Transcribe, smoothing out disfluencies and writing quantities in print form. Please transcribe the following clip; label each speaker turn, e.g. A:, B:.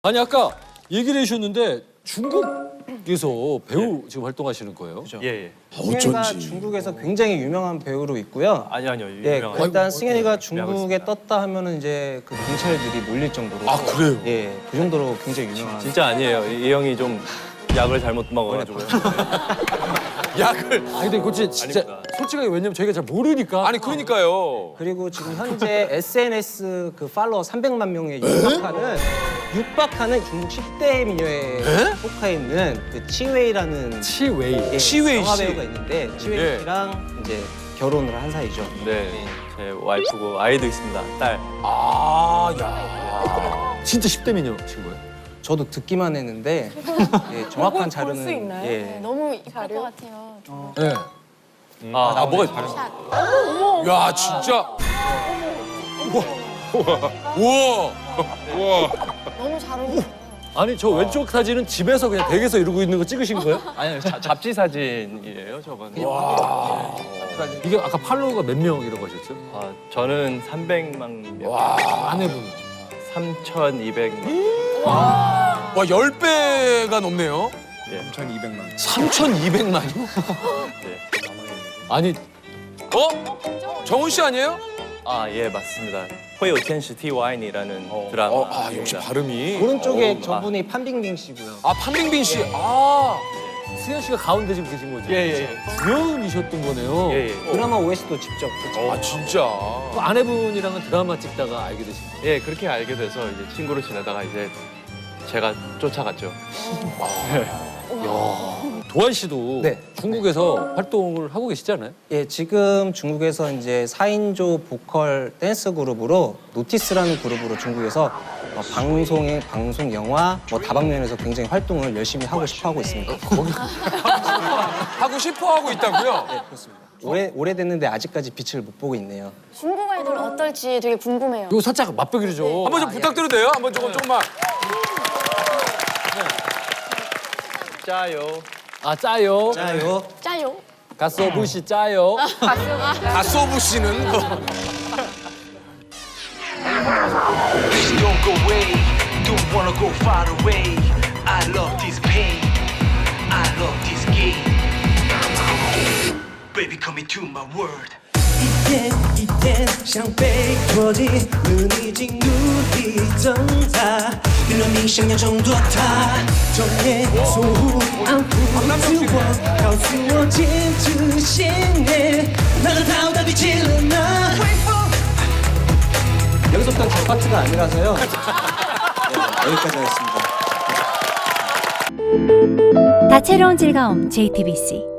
A: 아니 아까 얘기를 해주셨는데 중국에서 배우 지금 활동하시는 거예요?
B: 예.
C: 승현이가 중국에서 굉장히 유명한 배우로 있고요.
B: 아니요.
C: 예,
B: 유명한.
C: 일단 승현이가
B: 유명하고
C: 중국에
B: 있습니다.
C: 떴다 하면은 이제 그 경찰들이 몰릴 정도로.
A: 아, 그래요?
C: 예, 그 정도로 굉장히 유명한.
B: 진짜 아니에요. 이 형이 좀 약을 잘못 먹어가지고요.
D: 약을.
A: 아니 근데 그거 진짜
B: 아닙니다.
A: 솔직하게 왜냐면 저희가 잘 모르니까.
D: 아니 그러니까요.
C: 그리고 지금 현재 SNS 그 팔로워 300만 명에 육박하는 중국 10대 미녀에 속해 있는 그 치웨이라는
A: 치웨이.
C: 예,
D: 치웨이
C: 영화
D: 씨.
C: 배우가 있는데 치웨이
D: 예.
C: 씨랑 이제 결혼을 한 사이죠.
B: 네. 제 와이프고 아이도 있습니다. 딸.
D: 아, 야.
A: 진짜 10대 미녀신 거예요?
C: 저도 듣기만 했는데 예, 정확한 자료는
E: 볼수 있나요?
C: 예.
E: 네, 너무 이쁠 것 같아요.
A: 네.
D: 아, 뭐가 있 야, 진짜. 우와.
E: 너무 잘 어울려요.
A: 아니 저 왼쪽 사진은 집에서 그냥 댁에서 이러고 있는 거 찍으신 거예요?
B: 아니요. 잡지 사진이에요, 저건.
A: 이게 아까 팔로워가 몇 명이라고 하셨죠?
B: 아, 저는 300만 명.
A: 아내분.
B: 3,200만.
D: 와, 10배가 넘네요.
B: 예.
D: 3,200만이요?
B: 네.
A: 아니
D: 어? 정훈 씨 아니에요?
B: 아, 예, 맞습니다. 호요 텐시 TY이라는 드라마.
D: 아, 역시 발음이.
C: 오른쪽에 저분이 판빙빙 씨고요.
D: 아, 판빙빈 씨. 아.
A: 승현 씨가 가운데 지금 계신 거죠?
B: 예.
A: 주연이셨던 거네요.
B: 예.
C: 드라마 OST도 직접. 그쵸?
D: 아, 진짜.
A: 그 아내분이랑은 드라마 찍다가 알게 되신 거예요?
B: 예, 그렇게 알게 돼서 이제 친구로 지내다가 이제 제가 쫓아갔죠.
A: 도한 씨도
C: 네.
A: 중국에서 활동을 하고 계시잖아요?
C: 예, 지금 중국에서 이제 4인조 보컬 댄스 그룹으로 노티스라는 그룹으로 중국에서 방송, 영화, 다방면에서 굉장히 활동을 열심히 하고 싶어 하고 있습니다.
D: 하고 싶어 하고 있다고요?
C: 네, 그렇습니다. 오래됐는데 아직까지 빛을 못 보고 있네요.
E: 중국 아이돌 어떨지 되게 궁금해요.
A: 이거 살짝 맛보기로 좀.
D: 한번 좀 부탁드려도 돼요? 한번 조금만.
B: 짜요.
A: 아 짜요.
C: 짜요.
E: 짜요.
A: 가소부시 짜요.
D: 가소부 씨는.
F: Please don't go away, don't wanna go far away. I love this pain, I love this game. Baby, come into my world.
G: 一天像被拖进了逆境无力挣扎，原谅你想要挣脱它，昼夜错误安抚自我，告诉我坚持信念，那个逃到底去了呢？
C: 여기서부터는 제 파트가 아니라서요. 네, 여기까지 하겠습니다.
H: 다채로운 즐거움 JTBC